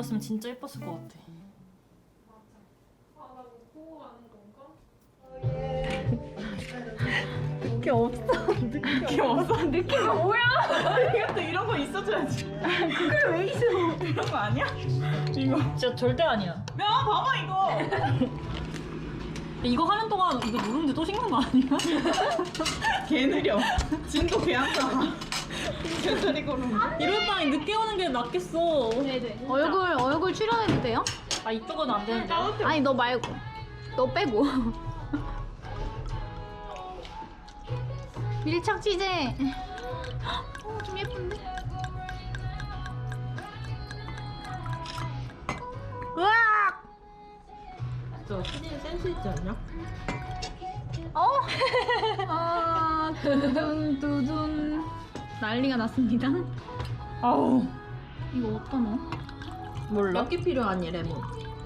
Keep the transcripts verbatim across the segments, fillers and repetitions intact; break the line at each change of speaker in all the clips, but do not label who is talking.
입었으면 진짜 예뻤을 것 같아.
아, 나 뭐 보고 가는 건가?
느낌 없어. 느낌 없어. 느낌이 뭐야? 이것도 이런 거 있어줘야지. 그걸 왜 있어? 이런 거 아니야? 이거 진짜 절대 아니야. 야 봐봐 이거. 이거 하는 동안 이거 누르는데 또 식는 거 아니야? 개 느려. 진도 개안 나. 개소리 걸음. 이럴 바에 늦게 오는 게 낫겠어.
네네.
얼굴 얼굴 출연해도 돼요?
아 이쪽은 안 되는데.
아니 너 말고 너 빼고 밀착 취재. 어, 좀 예쁜데? 으악!
저 시즌 센스 있지 않냐?
어? 아 두둔 두둔 난리가 났습니다.
아우
이거 어디다 넣어?
몰라. 몇 개 필요하니 레몬?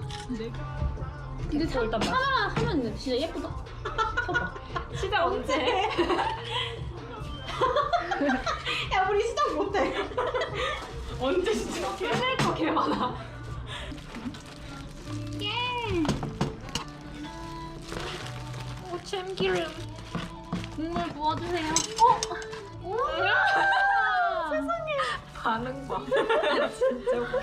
근데 사,
일단
하나 하면 진짜 예쁘다.
쳐봐. 시작 언제? 야 우리 시작 못해. 언제 시작해? 끝낼 거 개 많아.
예.
오 참기름.
국물 부어주세요. 어? 우와!
세상에. 반응 봐. 진짜 웃겨.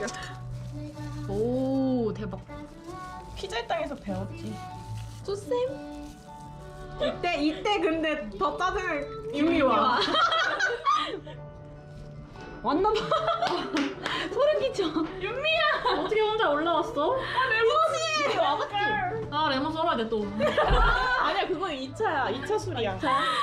오 대박.
피자의 땅에서 배웠지. 쪼쌤. 이때 이때 근데 더 짜증을 이미 와. 왔나 봐.
소름 끼쳐.
윤미야. 어떻게 혼자 올라왔어? 아 레몬이 와봤지. 아 레몬 썰어야 돼 또. 아니야 그건 이 차야. 이 차 술이야.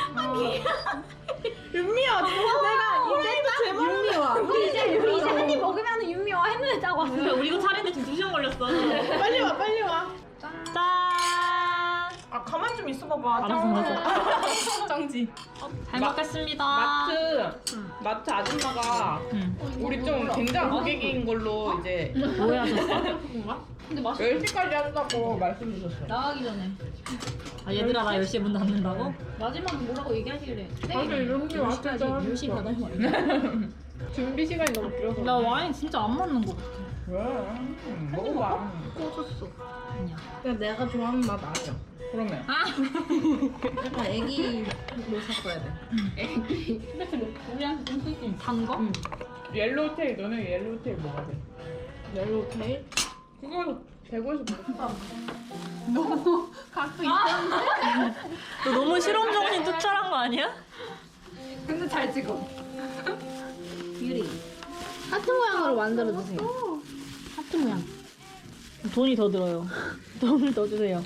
윤미야 내가 이제부터 제발 윤미와.
우리 이제 우리 이제 한 입 먹으면 윤미와 했는데 딱 왔어.
우리 이거 차례인데 지금 두 시간 걸렸어. 빨리 와 빨리 와. 짠.
아 가만 좀 있어봐봐.
알았어 알았어.
짱지.
잘
마-
먹겠습니다.
마트 마트 아줌마가
응.
우리 좀 굉장한 고객인 걸로 이제
뭐 하셨어?
근데 맛있.
열 시까지 한다고 말씀 주셨어요.
나가기 전에
아 얘들아 나 열 시에 문 닫는다고?
마지막에 뭐라고 얘기하시길래.
사실 이런 게 왔겠죠.
열 시 받아요. 말이야.
준비 시간이 너무 길어서.
나 와인 진짜 안 맞는 거 같아.
왜? 음, 먹어봐.
꺼졌어. 아니야.
그냥 내가 좋아하는 맛 아니야. 그러면.
약간 애기로 샀어야 돼.
근데 그 우리한테 좀 쓰기 단 거?
옐로우 테일 너네 옐로우 테일 먹어야 돼.
옐로우 테일?
그거 대구에서 먹었어.
너무 각도 있었는데.
너 너무 실험 정신 투철한 거 아니야?
근데 잘 찍어. 유리. 하트 모양으로 만들어 주세요. 하트 모양.
돈이 더 들어요. 돈을 더 주세요.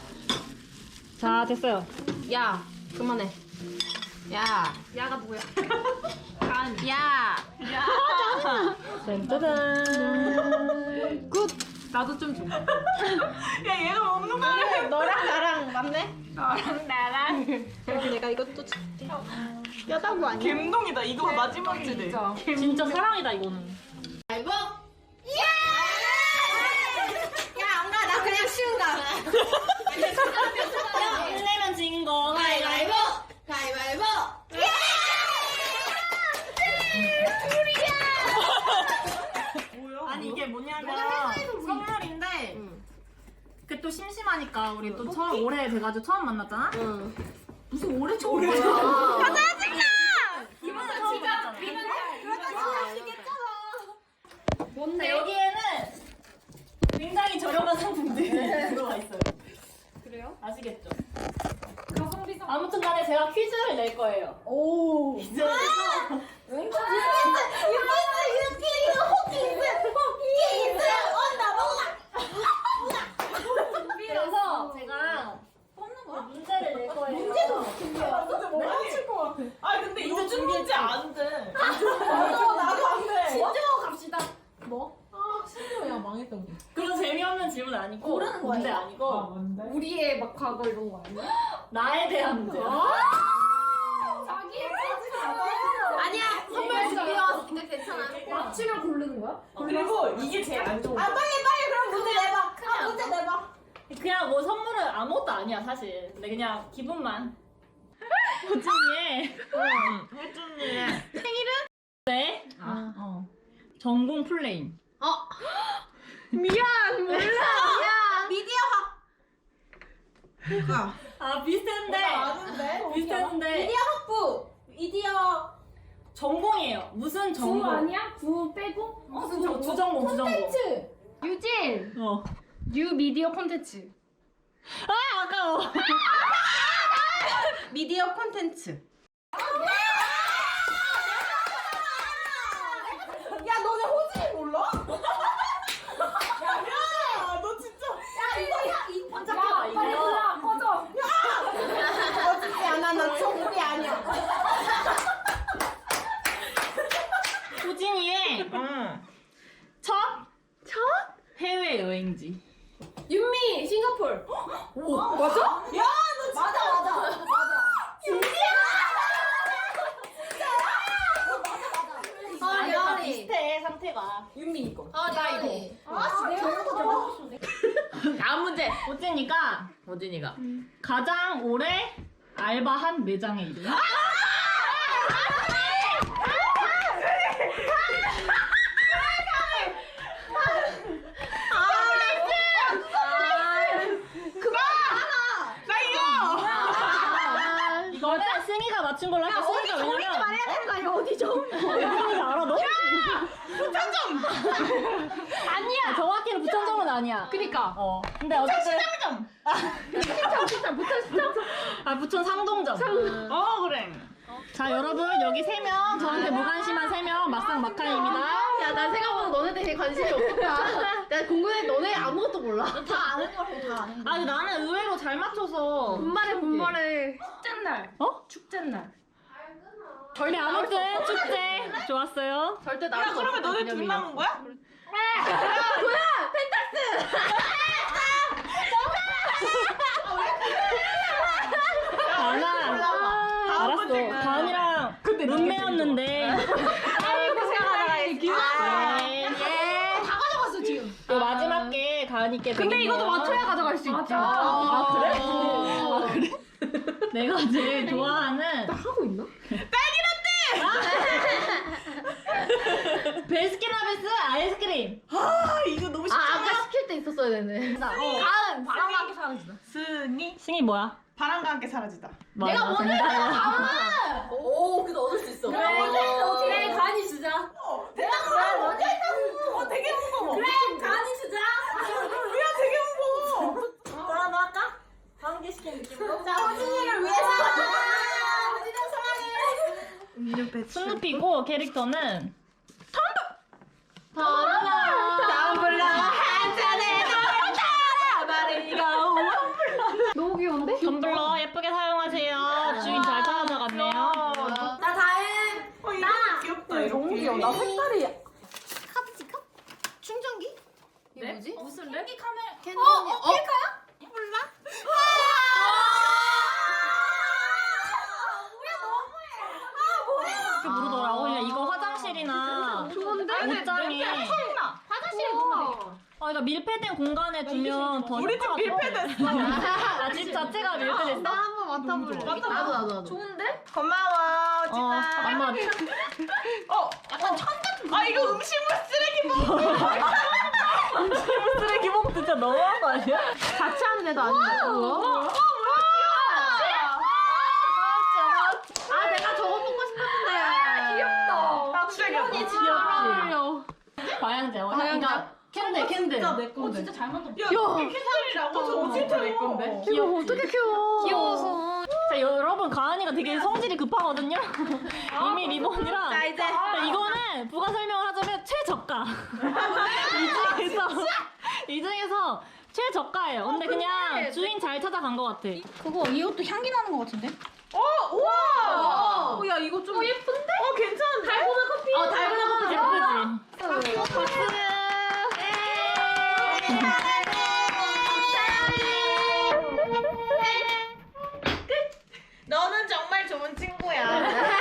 자 됐어요.
야, 그만해. 야, 야가 누구야? 간. 야, 야.
짠짜잔.
굿. 나도 좀 줘.
야 얘가 먹는 거 아니야?
너랑 나랑 맞네?
너랑 나랑.
그래서 내가 이것도 줄게. 뼈다구 아니야?
갬동이다. 이거 마지막이지.
진짜 사랑이다 이거는.
알보? 야! 야, 안 가. 나 그냥 쉬운가.
일 내면 진 거.
가위바위보! 가위바위보! 야!
뭐야?
아니 이게 뭐냐면 선물인데 그 또 심심하니까 우리 또 처음 올해 돼가지고 처음 만났잖아? 무슨 올해 처음 만났잖아. 아 짜증나! 이번에 처음 만났잖아.
뭔데?
여기에는 굉장히 저렴한 상품들이 들어가 있어요.
그래요?
아시겠죠? 아무튼 간에 제가 퀴즈를 낼 거예요. 오. 퀴즈를 내서 그래서 제가 뽑는 거 문제를 낼 거예요. 문제도
진짜 못 맞힐 것 같아. 아 근데 요즘 문제 안 돼.
나도 나도 안 돼.
진정하고 갑시다.
아 심지어 야 망했다 우리.
그런 재미없는 질문 아니고
고르는 거예요?
문제 아니고
뭔데?
우리의 막 과거 이런 거 아니야?
나에 대한 문제.
자기의 아니야, 선물 준비해왔어. 근데 괜찮아. 맞추면 고르는 거야?
그리고 이게 제일 안 좋은 거.
빨리 빨리 그럼 문제 내봐. 아, 문제 내봐.
그냥 뭐 선물은 아무것도 아니야 사실. 근데 그냥 기분만. 호준이의
혜준이.
네.
아 어.
전공 플레임.
어. 미안 몰라.
미디어 학.
아 비슷한데.
아는데?
비슷한데.
미디어 학부. 미디어
전공이에요. 무슨
구
전공?
아니야? 구 빼고?
무슨 전공? 두 전공, 두 전공.
콘텐츠.
유진!
어.
뉴 미디어 콘텐츠.
아 아까워.
미디어 콘텐츠. 야 너네 호진이 몰라? 야, 너 진짜. 야 이거 야이 번쩍해봐
빨리
이거.
올라 꺼져.
어떻게 안 하나 초콜이 아니야.
호진이의 첫? 첫? 해외 여행지.
윤미 싱가폴.
오 맞아? 야 너 진짜 맞아 맞아 맞아. 윤지야.
아 미안해.
비슷해 상태가.
윤미 이거.
아 미안해.
아 내가
다음 문제. 호진이가 호진이가 가장 오래 알바한 매장의 이름. 이거는 승희가 맞춘 걸로 할게. 승희가 왜냐면
말해야 되는 거 아니야? 어디 좀.
어딘지 알아 너? 부천점. 아니야. 정확히는 부천점은 아니야.
그니까.
어. 근데 어쨌든
시장 부터 시장.
아 부천 상동점. 어 그래. 자 여러분 여기 세 명 저한테 무관심한 세 명 막상 막한입니다.
야, 난 생각보다 너네들 되게 관심이 없겠다. 나 궁금해. 너네 아무것도 몰라.
다 아는 거라고 다 아는 거.
아 근데 나는 의외로 잘 맞춰서.
분발해, 분발해.
축제날.
어?
축제날.
근데 아무튼 축제 좋았어요.
절대 나올 수 없어.
너네 둘 남은 거야?
뭐야? 펜타스!
가은아 알았어. 가은이랑 룸메였는데.
아이고, 생각하다가
네.
예. 다 가져갔어, 지금.
또 마지막 게 가은이께.
근데
드린
이것도
거야.
맞춰야 가져갈 수 있지.
맞아.
아 그래?
어.
아 그래? 내가 제일 좋아하는
하고 있나?
베스킨라빈스 아이스크림.
아 이거 너무
아, 아까 시킬 때 있었어야 되네. 가은, 바람과 함께 사라지다.
스니
승희 뭐야?
바람과 함께 사라지다.
내가
맞아,
뭐냐?
정답이야.
가은!
오 근데 얻을 수 있어.
그래, 어떻게 가은이 주자.
내가 가을 먼저 했다고. 어 되게 무거워.
그래, 가은이 주자.
야 되게 무거워.
뭐라도 할까? 다음 개 시키는 느낌으로.
자 호진이를 위해서. 호진이 사랑해.
스누피고 캐릭터는
텀블러 한 잔에 너무 귀여운데?
텀블러 예쁘게 사용하세요. 주인 잘 찾아가네요.
나 다음.
어 이거 귀엽다 이렇게.
너무 귀여워. 나 색깔이 카드지컵? 충전기? 이게
네?
뭐지?
무슨 랩?
캔디. 어? 어? 필까요? 몰라.
이렇게 부르더라고. 그냥 이거 화장실이나
좋은데?
옷장에
화장실에 놓으면 돼.
아, 그러니까 밀폐된 공간에 두면 더
우리 집
효과가
밀폐됐어.
나 집 자체가 밀폐됐어.
나 한번 맡아볼래. 나도 나도 나도.
좋은데?
고마워
어,
호진아.
아마
어 약간 천 같은 거. 아 이거 음식물 쓰레기 봉.
쓰레기 봉투 진짜 너무한 거 아니야?
같이 하는 애도 아닌데. 뭐야? 아, 내가 저거 먹고 싶었는데.
귀엽다.
나 진짜 귀엽다.
귀엽지? 과양제. 어, 그러니까 캔들 캔들.
진짜 내 건데.
진짜 잘 만들었다.
야, 이게 캔들이라고? 저 진짜 내 건데.
이거 어떻게 키워?
귀여워서.
자 여러분 가은이가 되게 성질이 급하거든요. 이미 리본이랑.
자 이제
이거는 부가 설명을 하자면 최저가. 이 중에서 이 중에서 최저가예요. 근데 그냥 주인 잘 찾아간 것 같아.
그거 이것도 향기 나는 것 같은데?
어 우와.
어, 야, 이거 좀 예쁜데?
어 괜찮은데?
달고나 커피.
어 달고나 커피 예쁘지? 박수.
너는 정말 좋은 친구야.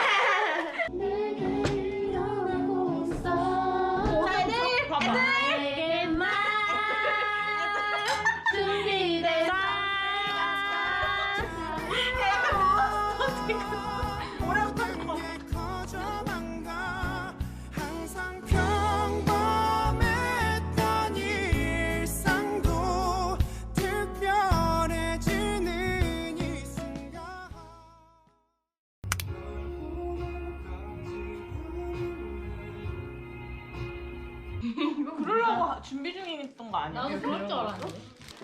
자, 애들.
봐봐.
나에게만 준비된
오래부터
하- 준비 중이었던 거 아니야?
나도 그럴 줄 알았는데.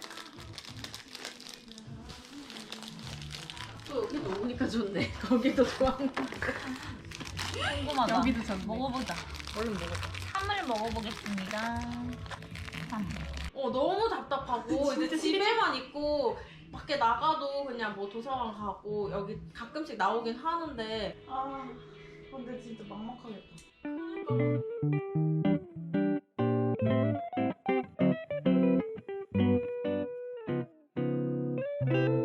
또 여기 놓으니까 좋네. 거기도 좋았는데.
궁금하다.
여기도 좋네.
먹어보자.
얼른 먹어.
참을 먹어보겠습니다. 참.
어 너무 답답하고 이제 집에만 있고 밖에 나가도 그냥 뭐 도서관 가고 여기 가끔씩 나오긴 하는데
아 근데 진짜 막막하겠다.
아